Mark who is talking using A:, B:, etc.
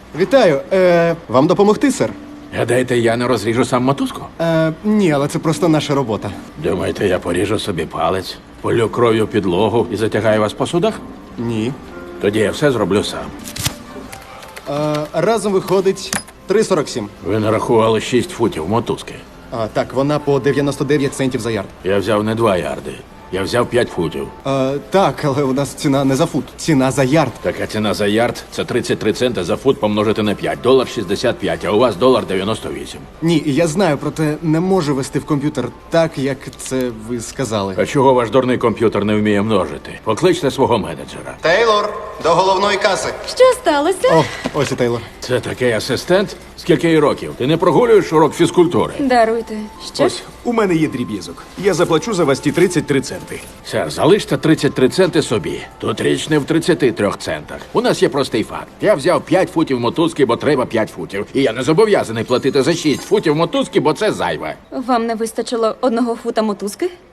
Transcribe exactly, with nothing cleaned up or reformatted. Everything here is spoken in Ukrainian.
A: Вітаю. Е, вам допомогти, сер?
B: Гадаєте, я не розріжу сам мотузку?
A: Е, ні, але це просто наша робота.
B: Думаєте, я поріжу собі палець, полю кров'ю підлогу і затягаю вас по судах?
A: Ні.
B: Тоді я все зроблю сам.
A: Е, разом виходить три сорок сім.
B: Ви нарахували шість футів мотузки.
A: А, так, вона по дев'яносто дев'ять центів за ярд.
B: Я взяв не два ярди. Я взяв п'ять футів.
A: Е, так, але у нас ціна не за фут, ціна за ярд.
B: Така ціна за ярд – це тридцять три цента за фут помножити на п'ять. Долар шістдесят п'ять, а у вас долар дев'яносто вісім.
A: Ні, я знаю, проте не можу вести в комп'ютер так, як це ви сказали.
B: А чого ваш дурний комп'ютер не вміє множити? Покличте свого менеджера.
A: Тейлор, до головної каси.
C: Що сталося?
A: О, ось і Тейлор.
B: Це такий асистент? Скільки їй років? Ти не прогулюєш урок фізкультури?
C: Даруйте. Що?
D: Ось, у мене є дріб'язок. Я заплачу за вас ті тридцять три центи.
B: Сер, залиште тридцять три центи собі. Тут річ не в тридцяти трьох центах. У нас є простий факт. Я взяв п'ять футів мотузки, бо треба п'ять футів. І я не зобов'язаний платити за шість футів мотузки, бо це зайве.
C: Вам не вистачило одного фута мотузки?